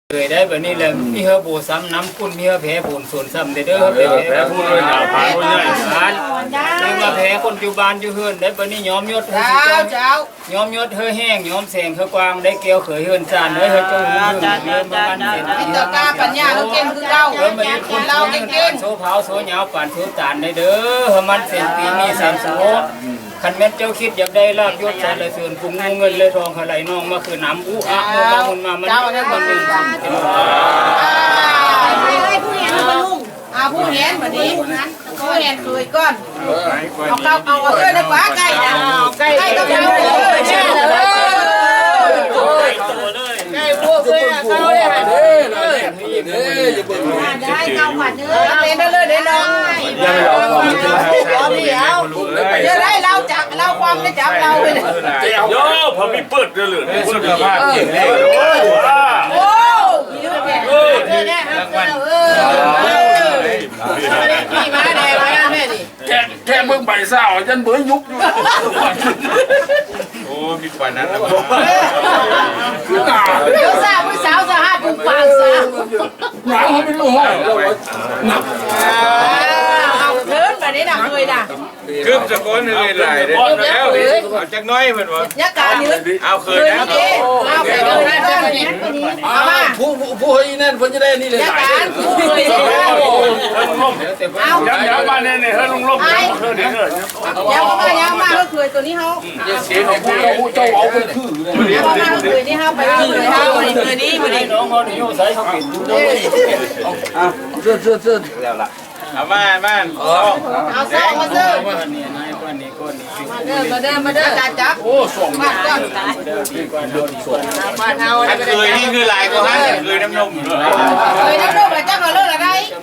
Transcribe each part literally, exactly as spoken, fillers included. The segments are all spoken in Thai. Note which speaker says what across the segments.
Speaker 1: เลยได้แบบนี้แหละมีเฮอโบซ้ำน้ำคุณมีเฮอแพ้ผลส่วนซ้ำเด้อเด้อแพ้ผู้เลยผ่านผู้ใหญ่ผ่านหรือมาแพ้คนอยู่บ้านอยู่เฮือนได้แบบนี้ยอมยศเจ้าเจ้ายอมยศเฮอแห้งยอมแสงเฮอกวางได้เกลียวเขยเฮือนจานเฮ้ยเฮอเจ้าเฮือนเฮือนบ้านเห็นอินตกาปัญญาเฮอเก่งคือเราเฮอมาคนเราเก่งๆโซเผาโซเหนียวป่านโซจานได้เด้อเฮอมันเส้นปีมีสามโซคันแม่เจ้าคิดอยากได้ลาบยศสรรเสริญกุงเงินเลยทองไหลน้องมาคือน้ำอู้อ่ะมูมามุนมามันมันเป็น
Speaker 2: อาผู้เห็นแบบนี้ผู้เห็นเคยก้อนเอาเก้าเอาเอาเก้าได้กว่าใกล้นะใกล้ต้องเอาเลยใช่เลยใกล้พวกเลยเก้าเลยค่ะได้เก้าผัดเนื้อเล่นได้เลยเดี๋ยวน้องเดี๋ยวเดี๋ยวได้เราจับเราความได้จับเราไปเลย
Speaker 3: โย่พอมีเปิดเดือดเลยสุขภาพเก่งเลย
Speaker 2: โอ้ยเออเนี่ยเออขี่ม้าแดงมาแม่ดิ
Speaker 3: แค่แค่เบิ่งใบเศร้ายันเบื่อยุบอยู่โอ้มีกว่านั้นนะคือหนาว
Speaker 2: เดี๋ยวสาวผู้สาวจะหาปุ่มปากสาว
Speaker 3: หนาวไม่รู้ห้องหนัก
Speaker 2: เอาเถินแบบนี้ดังเลยดัง
Speaker 3: คือจะก้อนเลยไหลเลยแล้วเอาจักน้อยเหมือนวะ
Speaker 2: ยักษ์การยืน
Speaker 3: เอาคืนนะ
Speaker 2: เอาไปเลยนะด้านนี้เอามา
Speaker 3: ผู้ผู้ให้นั่นเพิ่นจะได้นี่เลย
Speaker 2: ยักษ์การผู้เลยเอา
Speaker 3: ย้ำย้ำมาเนี่ยเนี่ยเฮ้ยลุงลบเฮ้ยเนี่ยเฮ้ย
Speaker 2: ย้ำมาย้ำมาเขาเคยตัวนี้เขา
Speaker 3: เสียของผู้เราเจ้าเอาเป็นคือ
Speaker 2: เลยย้ำมาเขาเคยนี่เขาไปเลยเขาเคยนี่ไปเลย
Speaker 1: น้องเขาอยู่ใส่เขาปิดดูด้วย
Speaker 3: อ่ะเสื้อเสื้อเสื้อแล้วล่ะเอามาบ้าน
Speaker 2: เอาเสื้อมาเสื้อ
Speaker 1: มาเนี่ยนายก้อนนี้ก้อนนี้
Speaker 2: มาเด้อมาเด้อมาเด้อจัดจับ
Speaker 3: โอ้ส่ง
Speaker 2: มาก้อน
Speaker 1: ก้อนโดนส่ง
Speaker 2: มาเท้า
Speaker 3: เคยนี่คือลายก็ฮะเคยน้ำนม
Speaker 2: เคยน้ำนมแล้วจังเอาเลิกอะไร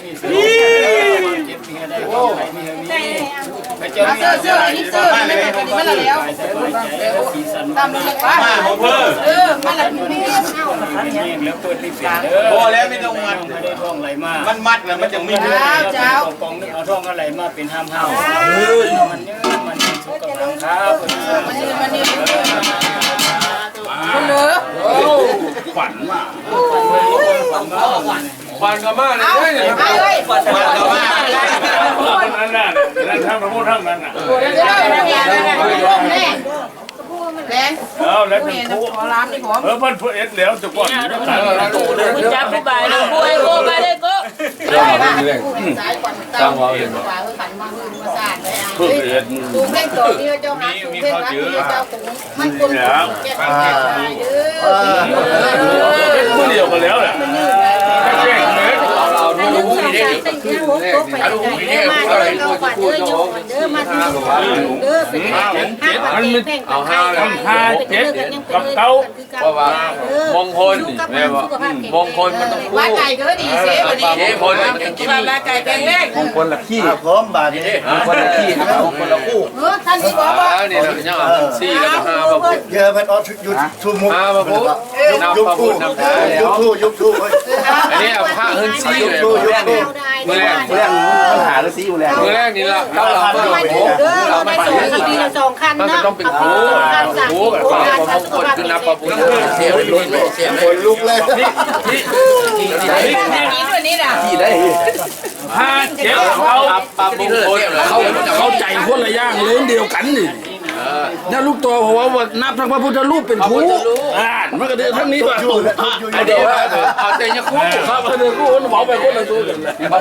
Speaker 2: เสื้อเสื้อนี่เสื้อนี่มันมันละแล้วตามเลยว่า
Speaker 3: มาเพิ่ม
Speaker 2: เออมันละมีเงี้ย
Speaker 1: แล้วเปิดรีบเสีย
Speaker 3: พอแล้วไม่ต้องมัด
Speaker 1: ได้ทองไหลมา
Speaker 3: มันมัดแล้วมันจะมี
Speaker 2: เจ้าเจ้าก
Speaker 1: องนึกเอาทองอะไรมาเป็นห้ามห้าวมันเยอะมันสุกกำลังครับ
Speaker 2: มันนี่มันนี่คุณเหนือ
Speaker 3: ขวัญมาขวัญก็มาเลย
Speaker 2: เอาเลย
Speaker 3: ขวัญก็มานั่นน่ะนั่นทำมาพูดทั้งนั้นน่ะ
Speaker 2: เดี๋ยวเราเนี่ยร่มแน่แรง
Speaker 3: เอาแล้วเป็นผู้
Speaker 2: ขอร้านนี่ผม
Speaker 3: เออมันเอ็ดแล้วจะก่อน
Speaker 2: คุณจับผู้ใบเลยผู้ไอ้โก้ไปเลยก็สายก่อนตามว่าเปล่าขันมาหื้อมาสานเลยอ่ะดูแค่ตัวนี้เจ้าหาดูแค่รักนี้เจ้าตรงมันคนแก่แก่ตายเด้อ
Speaker 3: ผู้เดียวกันแล้วแหละแก่เล็กเราดูดูนี่ดิคือเอาดูนี่ดิเราดูพูดน้องเด้อมาที่เด้อเป็นมันมันเอาห้าห้าเจ็ดกับเก้าเพราะว่ามงคลแม่ว่ามงคลมันต้องคู่
Speaker 2: ว่าไก่ก็ดีเสียวันนี้
Speaker 3: มงคลมันต้องกิน
Speaker 2: ว่าไก่แกงเล็ก
Speaker 4: มงคลละขี้พร้อมบาทนี้มงคลละขี้ครับมงคลละคู่
Speaker 2: เออท่านที่บอกว่า
Speaker 3: นี่เราเนี่ยสี่กับห้ามาพูด
Speaker 4: เยอะมันออยุดทุ่มุก
Speaker 3: ห้ามาพูด
Speaker 4: ยุบคู่ยุบคู่ยุบคู่
Speaker 3: อันนี้เอาผ้าเฮิร์นซี่เลยมือแรก
Speaker 4: มือแรกปัญหาละซี่อยู่แล้ว
Speaker 3: มือแรกนี่ละเราเรา
Speaker 2: ไม่ถูกเด้อเราไม่ถูกปีละสองคันเนาะ
Speaker 3: มันต้องเป็นคู่คู่กับความมงคลคือนับประพุทธเสียลุกเสีย
Speaker 4: คนลุกเลย
Speaker 3: นี่นี่
Speaker 2: นี่นี่ด้วยนี่ด่ะ
Speaker 4: ที่ได้
Speaker 3: ห้าเจ็ดเขาปะมงคล
Speaker 5: เขาเข้าใจคนละอย่างเรื่องเดียวกันนี่นี่ลูกตัวเพราะว่านับทั้งพระพุทธรูปเป็นคู่อ่ามันก็เดินทั้งนี้ว่า
Speaker 3: เดี๋ยวเอาแต่ยังคู่
Speaker 5: ครับเดินคู่มันบอกไปคนละตัวกัน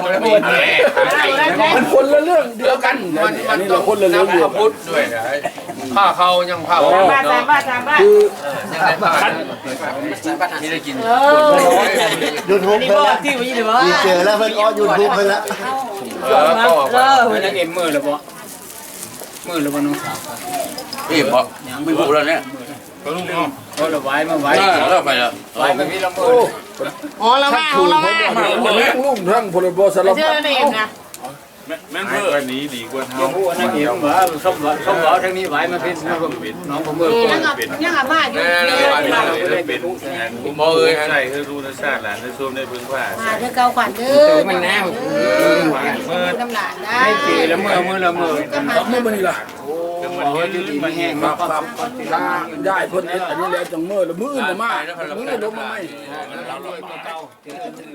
Speaker 5: มันคนละเรื่องเดียวกัน
Speaker 3: มันมัน
Speaker 5: ต้องคนละเรื่องเดียว
Speaker 3: พุทธด้วยนะผ้าเขายังผ้า
Speaker 2: บ้านบ้านบ้านบ้าน
Speaker 5: คือ
Speaker 3: คันที่ได้กิน
Speaker 4: ยูทูบเพิ่มที่มีเจอแล้วเพิ่งอ๋อยูทูบเพิ่มแล้ว
Speaker 3: เออก็
Speaker 1: เออนักเอ็มมือหรือเปล่ามือหรือเปล่าน้องสาว
Speaker 3: พี่เพราะไม่พูดแล้วเนี่ย
Speaker 1: ก็ลุงเนาะก็เราไว้มาไว้
Speaker 3: แล้วไปแล้ว
Speaker 1: ไว้มาพี่ละมือ
Speaker 2: อ๋อละมาอ๋อละมา
Speaker 5: ลูกทั้งพลบสารพัด
Speaker 6: แม่นเพื่อนี้ดีกว่า
Speaker 1: เดี๋ยวผู้นักเอกว่าสมบัติสมบัติทางนี้ไหวมาเป็นน้องผมเมื่อก่อน
Speaker 2: ยังอ่ะ
Speaker 1: เป็น
Speaker 2: ยังอ่ะบ้านอยู่
Speaker 6: แน่
Speaker 2: นี่
Speaker 6: เลยเป็นมอเอ้ยใช่คือรู้รสชาติหลานในซูมในพื้นผ้า
Speaker 2: มาเด้อเก่าขวัญเด้อมันแน่เมื่อน้ำหลานได้
Speaker 1: ให้ปีละเมื่อเมื่อละเมื่อ
Speaker 5: ครับเมื่อวันนี้ล่ะ
Speaker 1: ขอให้ดีมาแห้ง
Speaker 5: ค
Speaker 1: มา
Speaker 5: รับครับถ้าได้เพิ่นอันนี้แล้วจังเมื่อละมื้ออื่นจะมามื้ออื่นลงมาไหม
Speaker 1: เราลอยเก่า